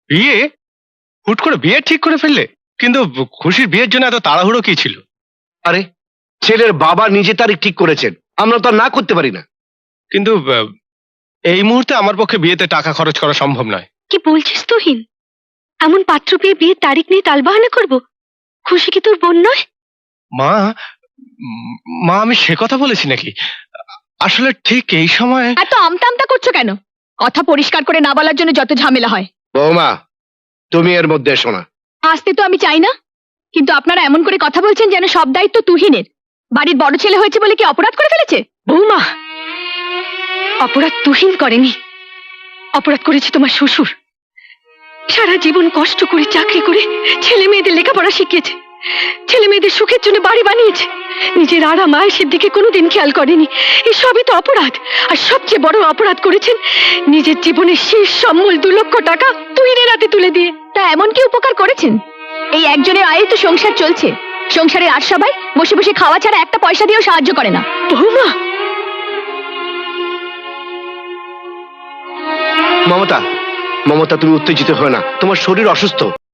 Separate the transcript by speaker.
Speaker 1: বিয়ে? হুট করে বিয়ে ঠিক করে ফেললে? কিন্তু খুশির বিয়ের জন্য এত তাড়াহুড়ো কি ছিল?
Speaker 2: আরে ছেলের বাবা নিজে তারিখ ঠিক করেছেন, আমরা তো আর না করতে পারি না।
Speaker 1: কিন্তু এই মুহূর্তে আমার পক্ষে বিয়েতে টাকা খরচ করা সম্ভব নয়।
Speaker 3: কি বলছিস তুহিন? এমন পাত্র পেয়ে বিয়ের তারিখ নিয়ে তালবাহানা করব? খুশি কি তোর বোন নয়?
Speaker 1: মা, মা আমি সে কথা বলেছি নাকি? আসলে ঠিক এই সময়
Speaker 3: এত আমতা আমতা করছো কেন? কথা পরিষ্কার করে না বলার জন্য যত ঝামেলা হয়।
Speaker 2: বৌমা, তুমি এর মধ্যে এসো না।
Speaker 3: আসতে তো আমি চাই না, কিন্তু আপনারা এমন করে কথা বলছেন যেন সব দায়িত্ব তুহিনের। বাড়ির বড় ছেলে হয়েছে বলে কি অপরাধ করে ফেলেছে? বৌমা, অপরাধ তুহিন করেনি, অপরাধ করেছে তোমার শ্বশুর। সারা জীবন কষ্ট করে চাকরি করে ছেলে মেয়েদের লেখাপড়া শিখিয়েছে, ছেলে মেয়েদের সুখের জন্য বাড়ি বানিয়েছে, নিজের আরাম আয়েসের দিকে কোনোদিন খেয়াল করেনি। এই সবই তো অপরাধ। আর সবচেয়ে বড় অপরাধ করেছেন নিজের জীবনের শেষ সম্বল 2 লক্ষ টাকা তুহিনের হাতে তুলে দিয়ে। তা এমন কি উপকার করেছেন? এই একজনের আয়ে তো সংসার চলছে। সংসারের আর সবাই বসে বসে খাওয়া ছাড়া একটা পয়সা দিয়েও সাহায্য করে না। বৌমা,
Speaker 2: মমতা, মমতা তুমি উত্তেজিত হয় না, তোমার শরীর অসুস্থ।